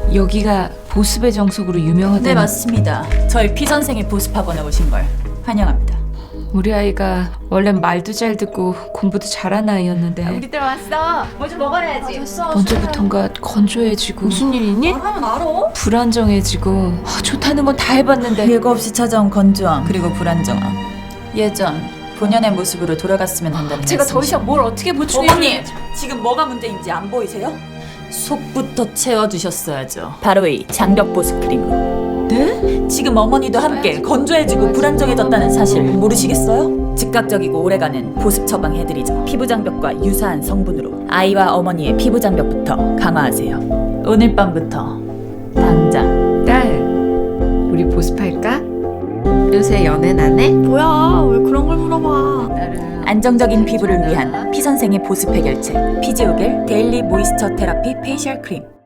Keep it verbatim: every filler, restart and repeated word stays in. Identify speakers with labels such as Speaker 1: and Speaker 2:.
Speaker 1: 여기가 보습의 정석으로 유명하다는.
Speaker 2: 네, 맞습니다. 저희 피 선생의 보습학원에 오신 걸 환영합니다.
Speaker 1: 우리 아이가 원래 말도 잘 듣고 공부도 잘하는 아이였는데
Speaker 3: 우리들 왔어. 뭐 좀 먹어야지.
Speaker 1: 언제부턴가 건조해지고 무슨 일 있니?
Speaker 3: 하면 알아.
Speaker 1: 불안정해지고 아, 좋다는 건 다 해봤는데
Speaker 2: 예고 없이 찾아온 건조함 그리고 불안정함. 예전 본연의 모습으로 돌아갔으면 한다는
Speaker 1: 제가 더 이상 뭘 어떻게 보충해?
Speaker 2: 어머니! 지금 뭐가 문제인지 안 보이세요? 속부터 채워주셨어야죠. 바로 이 장벽 보습 크림으로.
Speaker 1: 네?
Speaker 2: 지금 어머니도 함께 건조해지고 불안정해졌다는 사실 모르시겠어요? 즉각적이고 오래가는 보습 처방해드리죠. 피부 장벽과 유사한 성분으로 아이와 어머니의 피부 장벽부터 강화하세요. 오늘 밤부터 당장.
Speaker 1: 딸, 우리 보습할까? 요새 연애 안 해?
Speaker 3: 뭐야? 왜 그런 걸 물어봐?
Speaker 2: 안정적인 피부를 위한 피 선생의 보습 해결책 피지오겔 데일리 모이스처 테라피 페이셜 크림.